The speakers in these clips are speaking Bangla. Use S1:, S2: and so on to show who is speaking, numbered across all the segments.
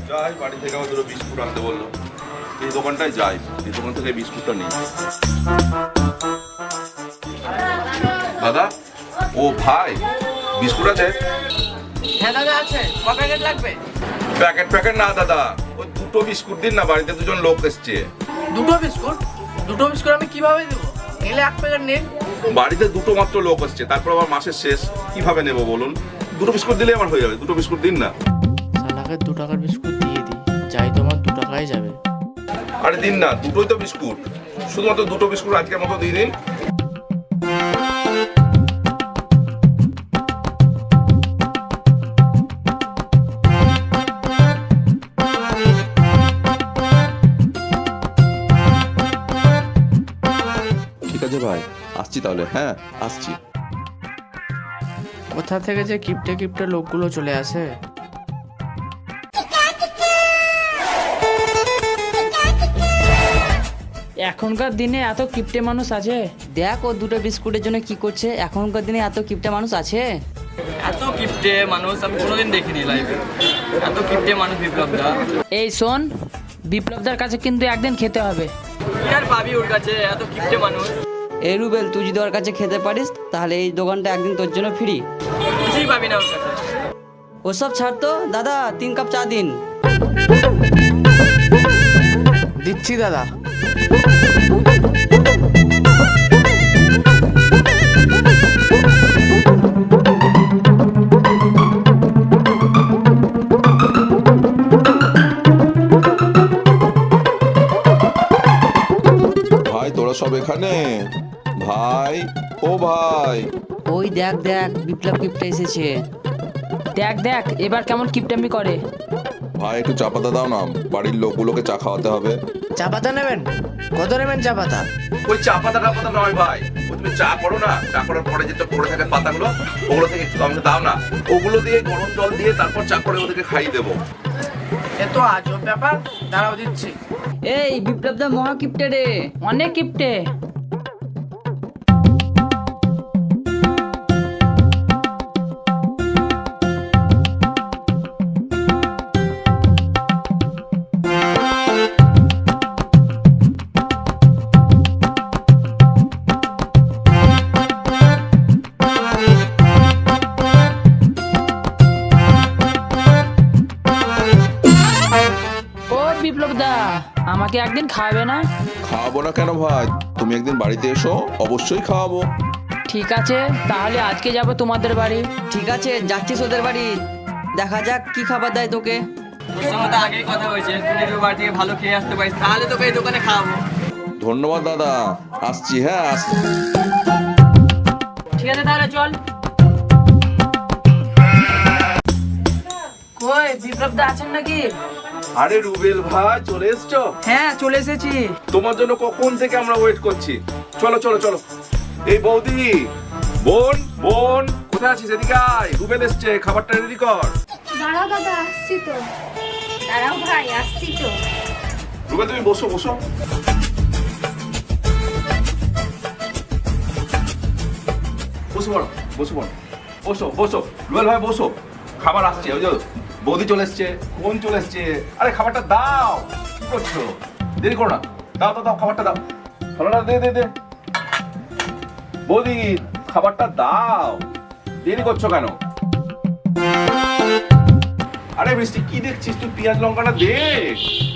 S1: যাই বাড়ি থেকে আমার দুটো বিস্কুট আনতে বললো, এই দোকানটায় যাই, এই দোকান থেকে বিস্কুটটা নিই। দাদা, ও ভাই, বিস্কুট আছে?
S2: হ্যাঁ দাদা আছে। ক প্যাকেট লাগবে?
S1: প্যাকেট না দাদা, ওই দুটো বিস্কুট দিন না, বাড়িতে দুজন লোক এসছে।
S2: দুটো বিস্কুট? দুটো বিস্কুট আমি কিভাবে দেবো? নিলে এক প্যাকেট নিন।
S1: বাড়িতে দুটো মাত্র লোক এসছে, তারপর আবার মাসের শেষ, কিভাবে নেবো বলুন? দুটো বিস্কুট দিলে আমার হয়ে যাবে, দুটো বিস্কুট দিন না।
S3: শালাকে 2 টাকার বিস্কুট দিয়ে দিই, যাই তোমার 2 টাকায় যাবে।
S1: আরে দিন না, দুটোই তো বিস্কুট, শুধুমাত্র দুটো বিস্কুট আজকের মতো দিয়ে দিন। ঠিক আছে ভাই, আসছি তাহলে। হ্যাঁ আসছি।
S3: কোথা থেকে যে কিপটে লোকগুলো চলে আসে। এখনকার দিনে এত কিপটে মানুষ আছে।
S4: দেখ ও দুটো বিস্কুটের জন্য কি করছে। এখনকার দিনে এত কিপটে মানুষ আছে।
S2: এত কিপটে মানুষ আমি কোনোদিন দেখিনি লাইফে। এত কিপটে মানুষ বিপ্লবদা।
S3: এই শোন, বিপ্লবদার কাছে কিন্তু একদিন খেতে হবে।
S2: কি আর পাবি ওর কাছে, এত কিপটে মানুষ।
S4: এই রুবেল, তুই যদি ওর কাছে খেতে পারিস তাহলে এই দোকানটা একদিন তোর জন্য ফ্রি।
S2: কিছুই পাবি না ওর কাছে।
S4: ওসব ছাড় তো দাদা, 3 কাপ চা দিন।
S3: দিচ্ছি দাদা।
S1: ভাই তোরা সব এখানে? ভাই, ও ভাই।
S4: ওই দেখ দেখ, বিপ্লব কিপটে এসেছে।
S3: দেখ এবার কেমন কিপটামি করে।
S1: ভাই একটু চা পাতা দাও না, বাড়ির লোকগুলোকে চা খাওয়াতে হবে।
S3: চা পাতা নেবেন? কত নেবেন চা পাতা?
S1: ওই চা পাতা নয় ভাই, ওই তুমি চা করো না, চা করার পরে যেটা পড়ে থাকে পাতাগুলো, ওগুলো থেকে একটু আমাকে দাও না। ওগুলো দিয়ে গরম জল দিয়ে তারপর চা করে ওদেরকে খাইয়ে দেবো।
S2: এ তো আজব ব্যাপার, দাঁড়াও দিচ্ছি।
S4: এই বিপ্লবদা মহা কিপটে রে,
S3: অনেক কিপটে। ও বিপ্লবদা, আমাকে একদিন খাওয়াবে না?
S1: খাওয়াবো না কেন ভাই, তুমি একদিন বাড়িতে এসো, অবশ্যই খাওয়াবো।
S3: ঠিক আছে, তাহলে আজকে যাব তোমাদের বাড়ি।
S4: ঠিক আছে যাচ্ছিস ওদের বাড়ি, দেখা যাক কি খাবার দেয় তোকে।
S2: তোর সঙ্গে তো আগেই কথা হয়েছে, তুই যদি ওর বাড়ি থেকে ভালো খেয়ে আসতে পারিস তাহলে তোকে এই দোকানে খাওয়াবো।
S1: ধন্যবাদ দাদা, আসছি। হ্যাঁ আসছি।
S3: ঠিক আছে তাহলে চল। কই বিপ্লবদা আছেন নাকি?
S1: আরে রুবেল ভাই, চলে এসছো?
S3: হ্যাঁ চলে এসেছি।
S1: তোমার জন্য কখন থেকে আমরা ওয়েট করছি। চলো চলো চলো। এই বৌদি, বোন কোথায় আছিস? এদিকে আয়, রুবেল এসছে, খাবারটা রেডি কর।
S5: দাঁড়াও দাদা, আসছি তো। দাঁড়াও ভাই, আসছি তো।
S1: রুবেল তুমি বসো বসো। বসে পড়ো, বসে পড়ো, বসো রুবেল ভাই বসো। খাবার আসছে, ওই যে বৌদি চলে এসছে, বোন চলে এসছে। আরে খাবারটা দাও, কি করছো? দেরি করো না, দাও খাবারটা দাও। ভালো না, দে। বৌদি খাবারটা দাও, দেরি করছো কেন? আরে বৃষ্টি কি দেখছিস তুই? পেঁয়াজ লঙ্কাটা দেখ।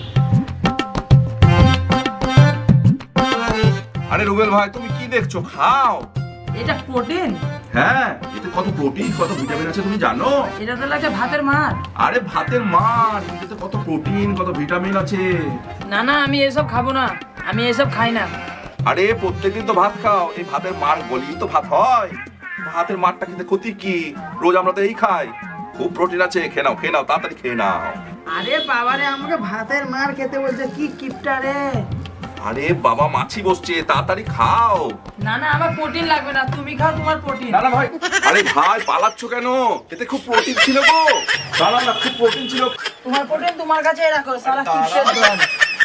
S1: আরে রুবেল ভাই তুমি কি দেখছো? খাও।
S3: এটা প্রোটিন।
S1: হ্যাঁ, এতে কত প্রোটিন কত ভিটামিন আছে তুমি জানো?
S3: এটা তো লাগে ভাতের মার।
S1: আরে ভাতের মার, এতে কত প্রোটিন কত ভিটামিন আছে।
S3: না আমি এসব খাবো না, আমি এসব খাই না।
S1: আরে প্রত্যেকদিন তো ভাত খাও, এই ভাতের মার গলিয়ে তো ভাত হয়। ভাতের মারটা খেতে ক্ষতি কি? রোজ আমরা তো এই খাই। খুব প্রোটিন আছে, খেয়ে নাও তাড়াতাড়ি খেয়ে নাও।
S2: আরে বাবারে, আমাকে ভাতের মার খেতে বলছে, কি কিপটা রে।
S1: আরে বাবা, মাছি বসছে, তাড়াতাড়ি খাও।
S3: না আমার প্রোটিন লাগবে না, তুমি খাও তোমার প্রোটিন।
S1: না ভাই, আরে ভাই পালাচ্ছ কেন? এতে খুব প্রোটিন ছিল গো। না খুব প্রোটিন ছিল।
S3: তোমার প্রোটিন তোমার কাছে রাখো, শালা কিপটের দল।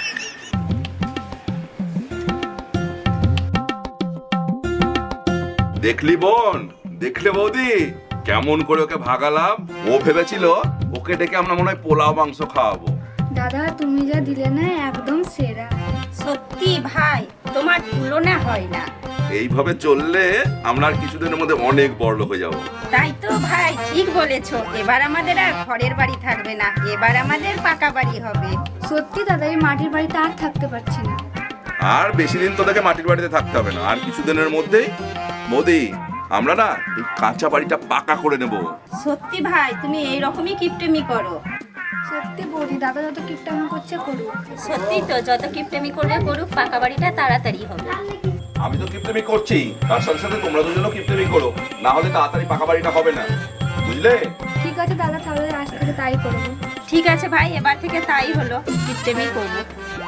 S1: দেখলি বোন, দেখলে বৌদি কেমন করে ওকে ভাগালাম। ও ভেবেছিল ওকে ডেকে আমরা মনে হয় পোলাও মাংস খাওয়াবো।
S5: দাদা তুমি যা দিলে না একদম সেরা।
S6: সত্যি ভাই, তোমার তুলনা হয় না।
S1: এইভাবে চললে আমরা আর কিছুদিনের মধ্যে অনেক বড়লোক হয়ে যাবো।
S6: তাই তো ভাই, ঠিক বলেছো। এবার আমাদের আর ঘরের বাড়ি থাকবে না, এবার আমাদের পাকা বাড়ি হবে।
S5: সত্যি দাদা এই মাটির বাড়িতে আর থাকতে পারছি না।
S1: আর বেশি দিন তোদেরকে মাটির বাড়িতে থাকতে হবে না, আর কিছুদিনের মধ্যেই মোদি আমরা না এই কাঁচা বাড়িটা পাকা করে নেব।
S6: সত্যি ভাই, তুমি এই রকমই কিপটেমি করো।
S5: সত্যি বৌদি, দাদা যত কিপটামি করছে করুক।
S6: সত্যি তো, যত কিপটেমি করবে করুক, পাকা বাড়িটা তাড়াতাড়ি হবে।
S1: আমি তো কিপটেমি করছি, তার সাথে সাথে তোমরা দুজনও কিপটেমি করো, না হলে তাড়াতাড়ি পাকা বাড়িটা হবে না, বুঝলে?
S5: ঠিক আছে দাদা, তাহলে আজ থেকে তাই করবো।
S6: ঠিক আছে ভাই, এবার থেকে তাই হলো, কিপটেমি করবো।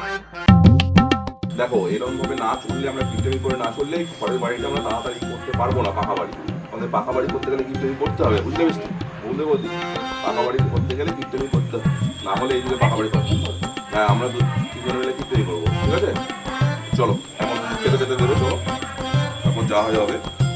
S1: দেখো এরকম ভাবে না চললে, আমরা কিপটেমি করে না চললে ঘরের বাড়িটা আমরা তাড়াতাড়ি করতে পারবো না। পাকা বাড়ি আমাদের পাকা বাড়ি করতে গেলে কিপটেমি করতে হবে, বুঝতে পেরেছি? বলতে বলছি পাকা বাড়ি করতে গেলে কিপটেমি করতে হবে, না হলে এই যুগে পাকা বাড়ি করতে। হ্যাঁ, আমরা তিনজন মিলে কিপটেমি করবো, ঠিক আছে? চলো এখন খেতে খেতে দেবে, চলো, তারপর যা হয় হবে।